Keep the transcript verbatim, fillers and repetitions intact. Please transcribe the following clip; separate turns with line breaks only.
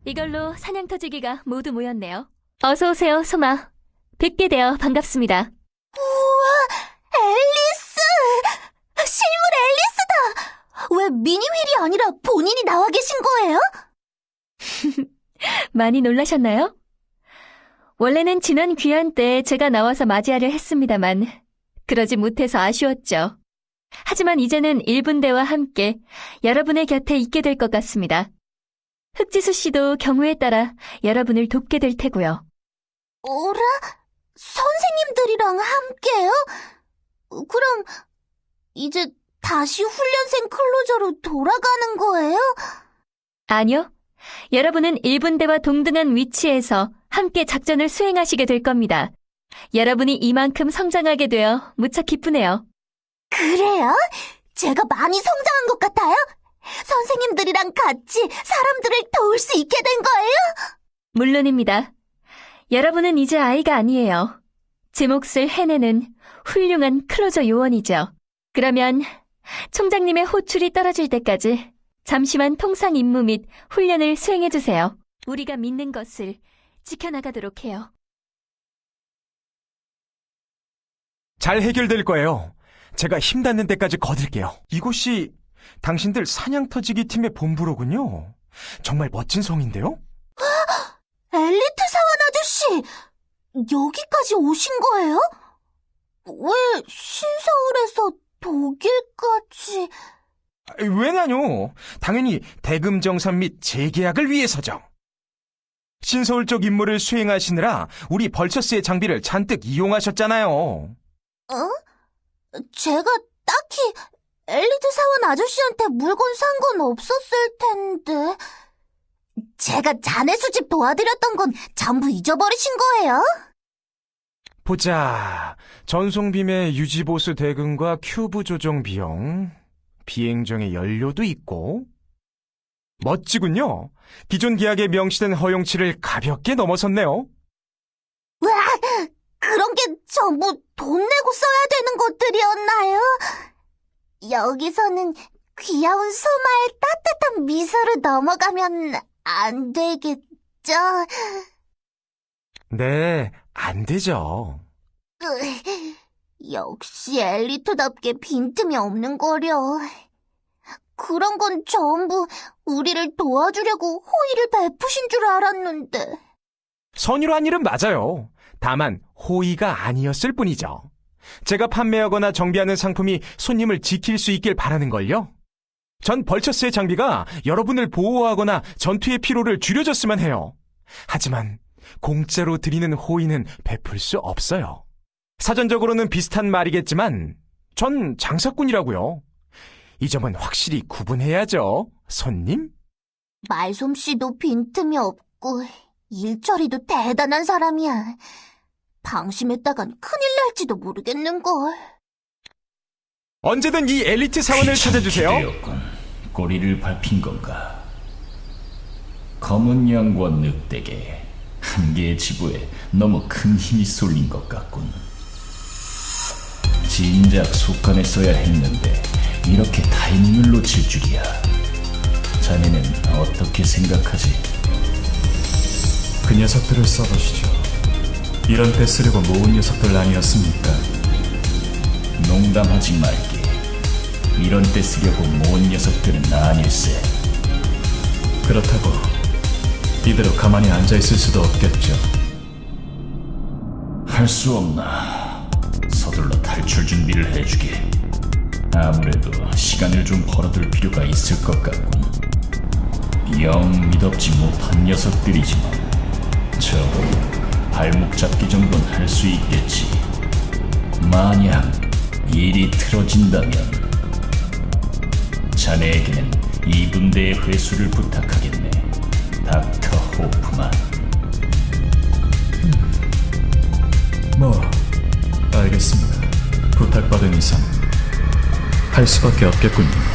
이걸로 사냥 터지기가 모두 모였네요. 어서 오세요, 소마. 뵙게 되어 반갑습니다.
우와, 앨리스! 실물 앨리스다! 왜 미니휠이 아니라 본인이 나와 계신 거예요?
많이 놀라셨나요? 원래는 지난 귀환 때 제가 나와서 맞이하려 했습니다만 그러지 못해서 아쉬웠죠. 하지만 이제는 일 분대와 함께 여러분의 곁에 있게 될 것 같습니다. 흑지수 씨도 경우에 따라 여러분을 돕게 될 테고요.
어라? 선생님들이랑 함께요? 그럼 이제 다시 훈련생 클로저로 돌아가는 거예요?
아니요. 여러분은 일 분대와 동등한 위치에서 함께 작전을 수행하시게 될 겁니다. 여러분이 이만큼 성장하게 되어 무척 기쁘네요.
그래요? 제가 많이 성장한 것 같아요? 선생님들이랑 같이 사람들을 도울 수 있게 된 거예요?
물론입니다. 여러분은 이제 아이가 아니에요. 제 몫을 해내는 훌륭한 클로저 요원이죠. 그러면 총장님의 호출이 떨어질 때까지 잠시만 통상 임무 및 훈련을 수행해주세요. 우리가 믿는 것을 지켜나가도록 해요.
잘 해결될 거예요. 제가 힘 닿는 데까지 거둘게요. 이곳이 당신들 사냥 터지기 팀의 본부로군요. 정말 멋진 성인데요?
엘리트 사원 아저씨! 여기까지 오신 거예요? 왜 신서울에서 독일까지...
왜냐뇨? 당연히 대금 정산 및 재계약을 위해서죠. 신서울 쪽 임무를 수행하시느라 우리 벌처스의 장비를 잔뜩 이용하셨잖아요.
어? 제가 딱히 엘리트 사원 아저씨한테 물건 산 건 없었을 텐데... 제가 자네 수집 도와드렸던 건 전부 잊어버리신 거예요?
보자. 전송빔의 유지보수 대금과 큐브 조정 비용, 비행정의 연료도 있고. 멋지군요. 기존 계약에 명시된 허용치를 가볍게 넘어섰네요.
와, 그런 게 전부 돈 내고 써야 되는 것들이었나요? 여기서는 귀여운 소마의 따뜻한 미소로 넘어가면 안 되겠죠?
네, 안 되죠.
으, 역시 엘리트답게 빈틈이 없는 거려. 그런 건 전부 우리를 도와주려고 호의를 베푸신 줄 알았는데.
선의로 한 일은 맞아요. 다만 호의가 아니었을 뿐이죠. 제가 판매하거나 정비하는 상품이 손님을 지킬 수 있길 바라는걸요. 전 벌처스의 장비가 여러분을 보호하거나 전투의 피로를 줄여줬으면 해요. 하지만 공짜로 드리는 호의는 베풀 수 없어요. 사전적으로는 비슷한 말이겠지만 전 장사꾼이라고요. 이 점은 확실히 구분해야죠, 손님.
말솜씨도 빈틈이 없고 일처리도 대단한 사람이야. 방심했다간 큰일 날지도 모르겠는걸.
언제든 이 엘리트 사원을 찾아주세요.
되었군. 꼬리를 밟힌 건가? 검은 양과 늑대게 한 개의 지부에 너무 큰 힘이 쏠린 것 같군. 진작 속간에 써야 했는데 이렇게 타이밍을 놓칠 줄이야. 자네는 어떻게 생각하지?
그 녀석들을 써보시죠. 이런 때 쓰려고 모은 녀석들 아니었습니까?
농담하지 말게. 이런 때 쓰려고 모은 녀석들은 아닐세.
그렇다고 이대로 가만히 앉아있을 수도 없겠죠.
할 수 없나. 서둘러 탈출 준비를 해주게. 아무래도 시간을 좀 벌어둘 필요가 있을 것 같군. 영 믿업지 못한 녀석들이지만 적어도 발목 잡기 정도는 할 수 있겠지. 만약 일이 틀어진다면 자네에게는 이 분대의 회수를 부탁하겠네, 닥터 호프만.
뭐 알겠습니다. 부탁받은 이상 할 수밖에 없겠군요.